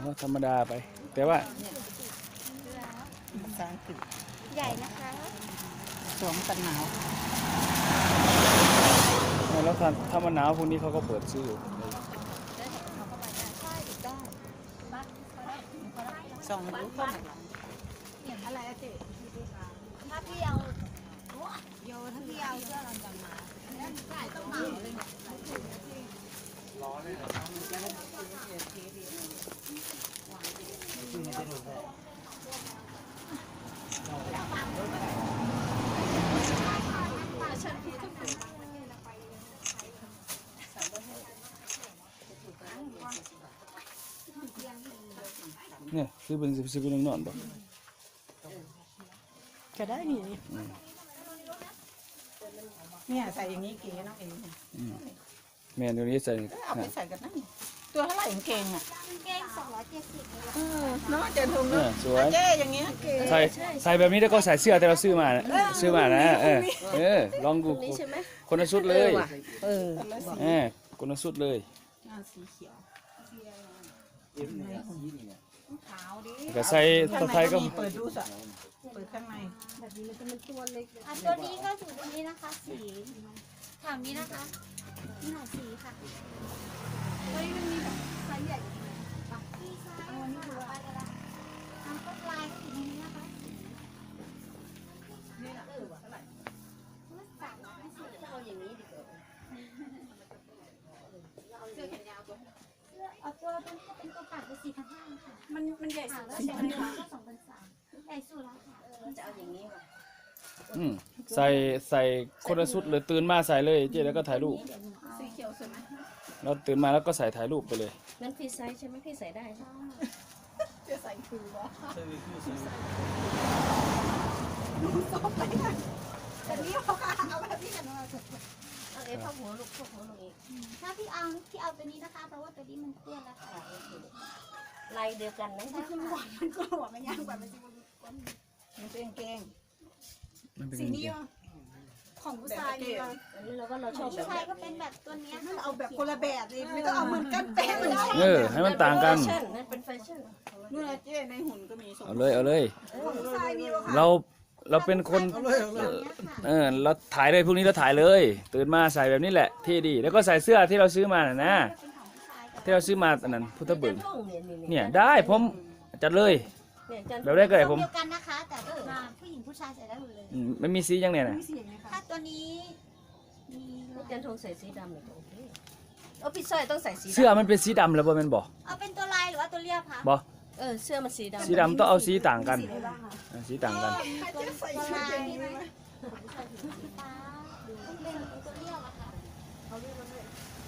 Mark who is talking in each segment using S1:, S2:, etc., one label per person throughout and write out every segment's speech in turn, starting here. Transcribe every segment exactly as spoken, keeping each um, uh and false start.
S1: ก็ธรรมดาไปแต่ว่า
S2: ภาษาอังกฤษ
S3: ใหญ่นะคะ
S2: สวมกันหนาว
S1: แล้วถ้าถ้ามันหนาวพวกนี้เขาก็เปิดซื้อ
S2: สองรู้ก็
S3: อะไรอะเจ๊ถ้าพี่เอาโยถ้าพี่เอาเสื้อลอนดอนมาใช่ต้องมาเลย
S1: เนี่ยซื้อเป็นซื้อเป็นนอนบ่
S2: จะได้นี่เนี่ยใส่อย่างนี้เก๋เนาะเอง
S1: แม่เดี๋ยวนี้ใส่
S2: เอาไปใส่กันนั่นตัวเท่าไหร่เก่งอ่ะ
S3: เก่งสองร้อยเจ็ดสิบ
S2: เออเนาะเจนทุงเนาะ
S1: สวย
S2: เจ๊อย่างเงี้ยเก๋
S1: ใส่ใส่แบบนี้แล้วก็ใส่เสื้อแต่เราซื้อมาซื้อมานะเออเออลองดูคนละชุดเลย
S2: เออ
S1: เออคนละชุดเลย
S2: สีเขียว
S3: ขาวดิ
S1: แต่ใส่ตัวไทยก็
S2: เปิดดูสิเปิดข้างใน
S3: แบบนี้มันจะเป็นตัวเล็กอ่ะตัวนี้ก็ถึงตรงนี้นะคะสีถามนี้นะคะนี่หน่อยสีค่ะเฮ้ยมันมีแบบไซส์ใหญ่ปักที่ไซส์อันนี้คืออะไรกันล่ะทำต้นลายก็ถึงตรงนี้นะคะนี่แหละเออเท่าไหร่ไม่สั่งไม่ซื้อเอาอย่างนี้ดีกว่าเสื้อแขนยาวตัวเอาตัวตัวนี้เป็นตัวปัดเป็นสี่พันห้าค่ะมันมันใหญ่สุดแล้วสี่พันห้าก็สองพันสามใหญ่สุดแล้วค่ะจะเอาอย่างนี้ค่ะ
S1: อืมใส่ใส่คนละชุดเลยตื่นมาใส่เลยเจ๊แล้วก็ถ่ายรูป
S3: สีเขียวสวยไหม
S1: เราตื่นมาแล้วก็ใส่ถ่ายรูปไปเลย
S3: งั้นพี่ไซส์ใช่ไหมพี่ใส่ได้ใช่จะใส่คือวะแต่นี่เขาเอาแบบนี้กันมาเอาเอฟเข้าหัวลูกเข้าหัวลงอีกถ้าพี่เอาพี่เอาตัวนี้นะคะเพราะว่าตัวนี้มันเปื้อนแล้วค่ะลายเดียวกันนะมันหวานมันก็หวานมันยากกว่ามันจะ
S2: มันเป็นเก่ง
S3: สีนี้ของผู้ชายนี่อันนี้เราก็เราชอบผู้ชายก็เป็นแบบตัวนี้เอาแบบคนละแบบเลยไม่ต้องเอาเหมือนกันเป๊ะเลย
S1: เออให้มันต่างกัน
S3: นั่นเป็นแฟชั่น
S2: นู่นเจ๊ในหุ่นก็มี
S1: เอาเลยเอาเลยเราเราเป็นคนเออเราถ่ายเลยพวกนี้เราถ่ายเลยตื่นมาใส่แบบนี้แหละเท่ดีแล้วก็ใส่เสื้อที่เราซื้อมาน่ะนะที่เราซื้อมาอันนั้นพุทธบึงเนี่ยได้ผมจัดเลยแบบแรกก็ได้ผม
S3: เดียวกันนะคะแต่ก็ผู้หญิงผู้ชายใส่ได้หมดเลย
S1: ไม่มีสียังไงนะ
S3: ถ้าตัวนี้
S4: มีจันทงใส่สีดำเลยโอเคเออพี่สร้อยต้องใส่สี
S1: เสื้อมันเป็นสีดำแล้วบ่แม่นบ่
S3: เอาเป็นตัวลายหรือว่าตัวเรียบคะ
S1: บ่
S4: เออเสื้อมันสีดำ
S1: สีดำต้องเอาสีต่างกันสีต่างกัน
S3: ตัวลายใช่ไหมสีฟ้าต้องเป็นตัวเรียบอะค่ะเอาเรียบมาด้วย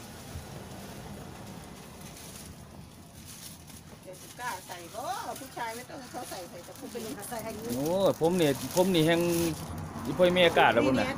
S2: กล้าใส่ก็ผู้ชายไม่ต้องเขาใส่ใส่แต่ผู้เป็นใส่ให้
S1: โอ้ผมเนี่ยผมนี่แห่งอีพ่อแม่กาดแล้วผมน่ะ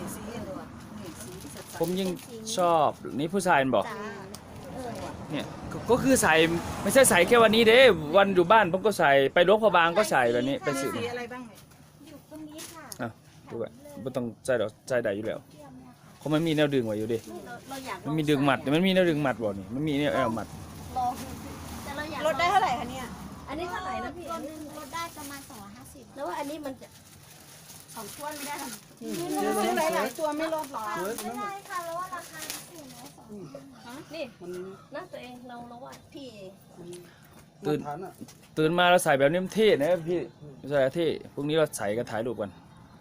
S1: ผมยิ่งชอบนี่ผู้ชายบอกเนี่ยก็คือใส่ไม่ใช่ใส่แค่วันนี้เด้วันอยู่บ้านผมก็ใส่ไปหลวงพ่อบางก็ใส่แบบนี้ไปสื่อ
S3: อะไรบ้างอยู่ตรงนี้ค่ะ
S1: อ่ะดูแบบไม่ต้องใจดอกใจใดอยู่แล้วเพราะมันมีแนวดึงไว้อยู่ดิมันมีดึงหมัดมันมีแนวดึงหมัดบ่นี่มันมีแนวแอลหมัด
S3: ลดได้เท่าไหร่คะเนี่ย
S4: อันนี้เท่าไหร่นะพี่
S3: ตัวนึงลดได้ประมาณสองร้อยห้าสิบ
S4: แล้วว่าอันนี้มันจะ
S3: สองตัวไม่ได้ค่ะ
S2: ซื้อหลายๆตัวไม่ลดหรอ
S3: ไม่ได้ค่ะแล้วว่าราคาสูงแล้วสอง
S4: นี่น่าตัวเองเราเราว่าพี่
S1: ตื่นตื่นมาเราใส่แบบนี้มันเท่นะพี่ใส่เท่พรุ่งนี้เราใส่กันถ่ายรูปกัน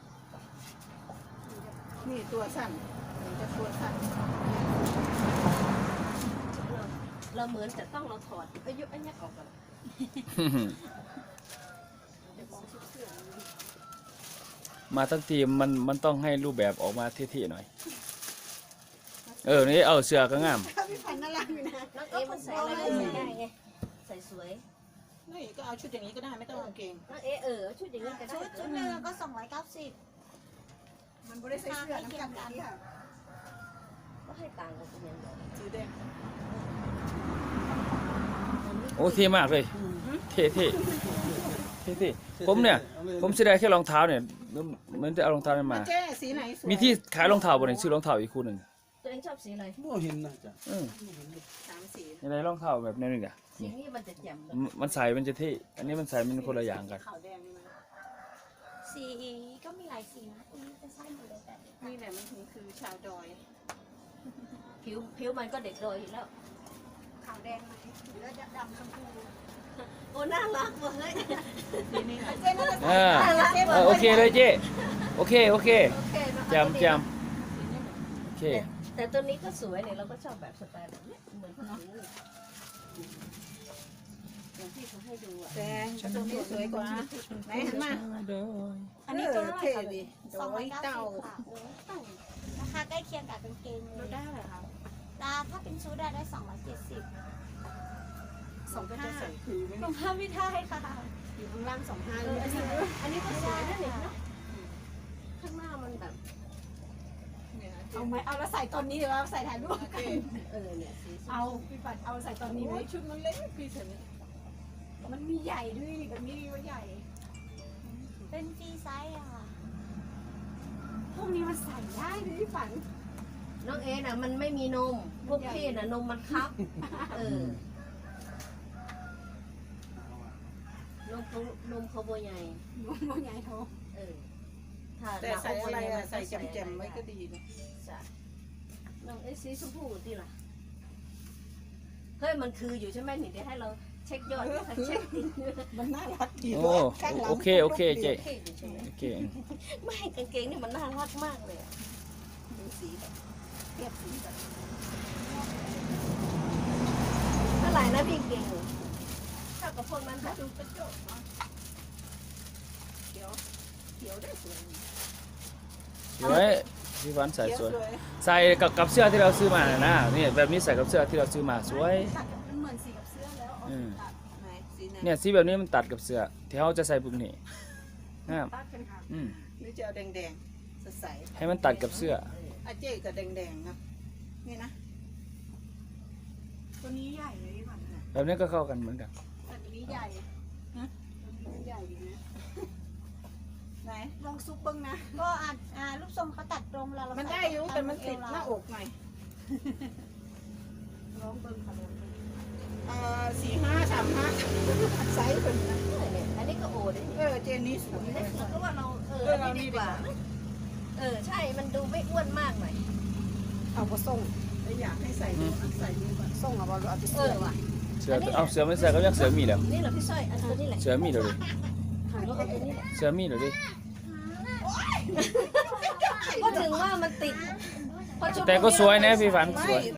S2: นี่ตัวสั้นจะตัวสั้น
S4: เราเหมือนจะต้องเราถอดอายุอันนี้ออกก่อน
S1: มาทั้งทีมมันมันต้องให้รูปแบบออกมาเท่ๆหน่อยเออนี่เอาเสื้อก็งาม
S3: พี่พันน่ารักอยู่นะ
S4: น้องเอ๋มันใส่อะไรก็ใส่ได้ไงใส่สวย
S2: นี่ก็เอาชุดอย่างนี้ก็ได้ไม่ต้องกางเกง
S4: น้องเอ๋เออชุดอย่างนี้ก็ได้
S3: ชุดชุดหนึ่งก็สองร้อยเก้าสิบ
S2: มันบริสุทธิ์เสื้อน้ำกันกันค่ะ
S4: ก็ให้ต่างกันเป็นยังไง
S2: สีแดง
S1: โอ้เท่มากเลยเท่เท่เท่เท่ผมเนี่ยผมเสียดายแค่รองเท้าเนี่ยมันจะเอารองเท้ามามีที่ขายรองเท้าบนไหนซื้อรองเท้าอีกคู่หนึ่ง
S4: ตัวเอองชอบสีอะไร
S5: ไม่เห็นนะจ๊ะ
S1: อืม
S2: สามสี
S1: ยังไงรองเท้าแบบนี้นึงอ่ะ
S4: สี
S1: นี่
S4: นี้มันจะแจ่มเลย
S1: มันมันใส่มันจะเท่อันนี้มันใส่มันคนละอย่างกัน
S2: ขาวแดงนี่นะ
S3: สีก็มีหลายสีนะอันนี้จะใช่หมดเลยแต่
S2: นี่แหละมันถึงคือชาวดอย
S4: ผิวผิวมันก็เด็กโดยอยู่แล้ว
S3: ขาวแดงไหมหรือว่าดำชมพู
S4: โอ้น่ารักเว้ย
S2: สีนี้ค่ะ
S3: เจ๊น่าจะ
S1: อ่า
S4: น่ารัก
S1: เออโอเคเลยเจ๊โอเคโอเค
S4: โอเคเนอะ
S1: แจมแจมโอเค
S4: แต่แต่ตัวนี้ก็สวยเนี่ยเราก็ชอบแบบสไตล์แบบเนี้ยเหมือนเขาถืออย่างที่เขาให้ดูอ่ะ
S2: แดงตัวนี้สวยกว่าไหนหันมา
S3: อันนี้ตัวเท่าไหร่
S2: เท่
S3: คะ
S2: ดี
S3: สอง
S2: โด
S3: ร้อย ยเก้า
S2: เต้า
S3: สิบค่ะราคาใกล้เคียงกับกางเกงเล
S2: เรา
S3: ย
S2: ได้เหรอคะ
S3: ราถ้าเป็นชุดได้ได้สองร้อยเจ็ดสิบ
S2: สองห้าถือไว้
S3: รองเท้าไม่ได้ค่ะ
S2: อยู่ข้างล่างสองห้า
S4: เอออันนี้อันนี้ก็สวยนะเนี่ยเนอะข้างหน้ามันแบบ
S3: เอาไหมเอาแล้วใส่ตอนนี้หรือว่าใส่ถ่ายรูปกัน
S4: เออเนี่ยสีสวย
S3: เอาพี่ปัดเอาใส่ตอนนี้ไหม
S2: ชุดมันเล็กพี่เฉย
S3: มันมีใหญ่ด้วยนี่แบบนี้ว่าใหญ่ เป็นฟรีไซส์อะค่ะ พวกนี้มันใส่ได้เลยพี่ฝัน
S4: น้องเอน่ะมันไม่มีนม พวกพี่น่ะนมมันคับ เออนมเขานมเขาโบใหญ่
S3: มันใหญ่โต
S4: เออ ถ้า
S2: แต่ใส่อะไรอะใส่แจ่มๆไว้ก็ดีนะ
S4: ใช่น้องเอสีชมพูดีล่ะ เฮ้ยมันคืออยู่ใช่ไหมนี่เดี๋ยวให้เราเช็คยอดเช็คติด
S2: มันน่ารักดี
S1: โอ้โอเคโอเคเจ๊
S4: โอเคอยู่ใช่ไหม
S1: โอเค
S4: ไม่กางเกงนี่มันน่ารักมากเลยอะดูสีแบบเทียบสีแบบเท่าไหร่นะพี่เก่งเท่ากับพวกนั้นค่ะ
S2: ดูกระจกเนาะเขียวเขียวได้สวย
S1: สวยพี่วันใส่
S2: เขียว
S1: สวย
S2: สวย
S1: ใส่กับกับเสื้อที่เราซื้อมาน่ะนะนี่แบบนี้ใส่กับเสื้อที่เราซื้อมาสวย
S3: ตัดมันเหมือนสีกับเสื้อแล้วเอา
S1: อืม
S3: ตัด
S2: ไหนสีไหน
S1: เนี่ยสีแบบนี้มันตัดกับเสื้อที่เขาจะใส่ปุ๊บนี่งาม
S3: ตัดกันค่ะ
S1: อืม
S2: หรือจะเอาแดงๆสดใส
S1: ให้มันตัดกับเสื้อ
S2: อาเจ๊กับแดงๆนะนี่นะ
S3: ตัวนี้ใหญ่เลยพี่ฝัน
S1: แบบนี้ก็เข้ากันเหมือนกัน
S3: แต่ตัวนี้ใหญ่นะตัวนี้ใหญ่ดีนะ
S2: ไหน
S3: ลองซุปเบิ้งนะ ก็อ่าอ่ารูปทรงเขาตัดตรงเราเรา
S2: มัน
S3: ใส่
S2: ได้อยู่
S3: ต
S2: แต่มันติด
S3: เว
S2: หน้าอกหน่อย
S3: ลองเบิ้งค่ะลองเบิ้ง
S2: เอ่อสี่ห้าสามห้าไซส์เป็นนะ
S4: เนี่ยอันนี้ก็โอเด้
S2: เออเจนนี่สวย
S4: เนี่ยเราก็ว่าเราเอออันนี้ดีกว่า เออใช่ มันดูไม่อ้วนมากหน่อย
S2: เอาก็ส่งแล้วอยากให้ใส่ดูอ่ะใส่ดูก่อนส่งเอาบอลเอาไป
S4: เอ
S2: เสื้อ
S4: อว่ะ
S1: เสื้อเอาเสื้อไม่ใส่ก็ยังเสื้อมีแล้ว
S4: นี่เหรอพี่สร้อยอันตัวนี้แหละ
S1: เสื้อมีเดี๋ยวดิ
S4: หันก็เอาตัวนี้แหละ
S1: เสื้อมีเดี๋ยวดิ
S4: ก็ถึงว่ามันติดพอชมพู
S1: แต่ก็สวยนะพี่ฝันสวย